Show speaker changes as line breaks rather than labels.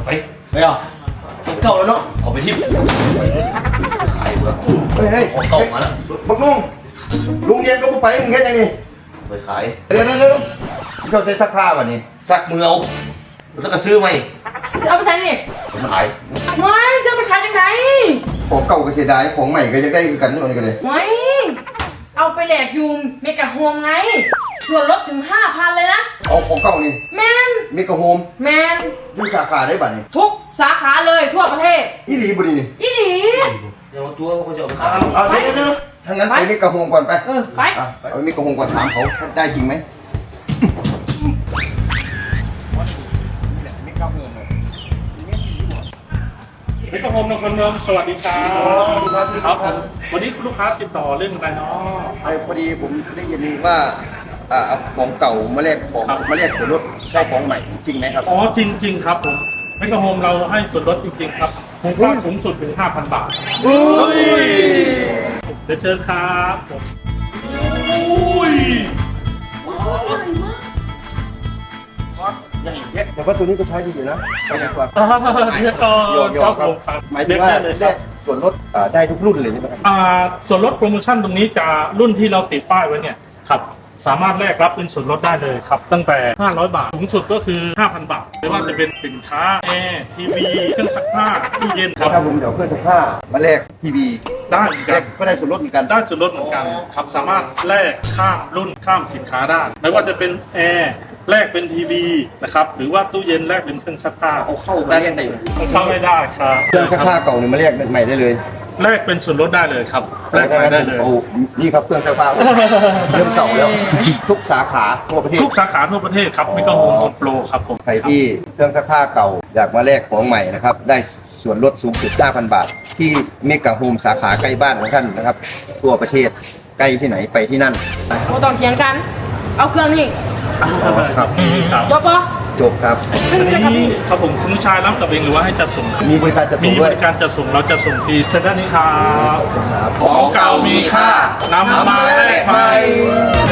ไป
ไม่เอาเก่าแล้วเนาะ
เอาไปทิมขายเบื่อ
เฮ้ย
ของเก่ามาแล้ว
บักลุงเย็นก็ไปมึงแค่ยังไง
ไปขาย
เดี๋ยวเขาใช้ซักผ้าวันนี้
ซักมือเอาแล้วก็ซื้อไหม
เอาไปใช้นี่
ผมขาย
ไม่ซื้อไปขายยังไง
ของเก่าก็เสียดายของใหม่ก็จะได้กันนี่กันเลย
ไม่เอาไปแหลกยูมเมกะโฮมไงส่วนลดถึง 5,000 เลยนะ
เอาของเก่านี่
แมน
มีกระโฮม
แมน
ดูสาขาได้บัดนี้
ทุกสาขาเลยทั่วประเทศ
อีหลีบุรีนี่
อีหลี
เดี๋ยวตัวเขาจะเอาไปขาย
เอาเดี๋ยวทางนั้นไปมีกระโฮมก่อนไป
ไป
เอามีกระโฮมก่อนถามเขาได้จริงไหมมีกระโฮมเลย
มิตรภพนครเมืองสวัสดีครับครับผมวันนี้ลูกค้าติดต่อเรื่องอะไรเนาะ
พอดีผมได้ยินว่าเอาของเก่ามาแลกของมาแลกส่วนลดได้ของใหม่จริงไหมครับ
อ๋อจริง ๆ ครับผมมิตรภพเราให้ส่วนลดจริงๆครับมูลค่าสูงสุดถึง 5,000 บาท
อุ้ย
เดี๋ยวเชิญครับผม
แต่ว่าตัวนี้ก็ใช้ดีอยู่นะไปดีกว่า
เดี๋ยวก่อน
ย
ค
อ
รั
ม
บ
ครั
ผ
บ
มครับ
หมายถึงว่า
เลย
แล
ครับ
กส่วนลดได้ทุกรุ่นเลยใช่ไหมครับ
ส่วนลดโปรโมชั่นตรงนี้จะรุ่นที่เราติดป้ายไว้เนี่ยครับสามารถแลกรับเป็นส่วนลดได้เลยครับตั้งแต่ 500 บาทสูงสุดก็คือ 5,000 บาทไม่ว่าจะเป็นสินค้าแอร์ทีวีเครื่องซักผ้าตู้เย็นครับ
ถ้าผมเดี๋ยวเครื่องซักผ้ามาแลกทีวี
ได้เหมือน
แล
กั
ก
น
ก็ได้ส่วนลดเหมือนกัน
ได้ส่วนลดเหมือนกันครับสามารถแลกข้ามรุ่นข้ามสินค้าได้ไม่ว่าจะเป็นแอร์แลกเป็นทีวีนะครับหรือว่าตู้เย็นแลกเป็นเครื่องซักผ้า
เอาเข้าไปได้ไหม
เข้าไม่ได้ครับ
เครื่องซักผ้าเก่าเนี่ยมาแลกใหม่ได้เลย
แลกเป็นส่วนลดได้เลยครับแลกไปได้เลย
โอ้นี่ครับเครื่องซักผ้าเริ่มเก่าแล้วทุกสาขาทั่วประเทศ
ทุกสาขาทั่วประเทศครับมิกาโฮมโปรครับผม
ใครที่เครื่องซักผ้าเก่าอยากมาแลกของใหม่นะครับได้ส่วนลดสูงสุด 5,000 บาท ที่เมกะโฮมสาขาใกล้บ้านของท่านนะครับทั่วประเทศใกล้ที่ไหนไปที่นั่น
โอ้ต้องเถียงกัน เอาเครื่องนี่
ครับ
ครับ
จบปะ
จบครับ
ขึ้น
อัน
เลยครับ
นี้
พี่
ครับผมคุณชายรับกับเองหรือว่าให้จัดส่ง
มีบริการจะส่
มี
ง
บ
ด้วย
ริการจัดส่งเราจะส่งฟรีเชิญด้านนี้ครับ
ครับ
ของเก่ามีค่านำมาแลกใหม่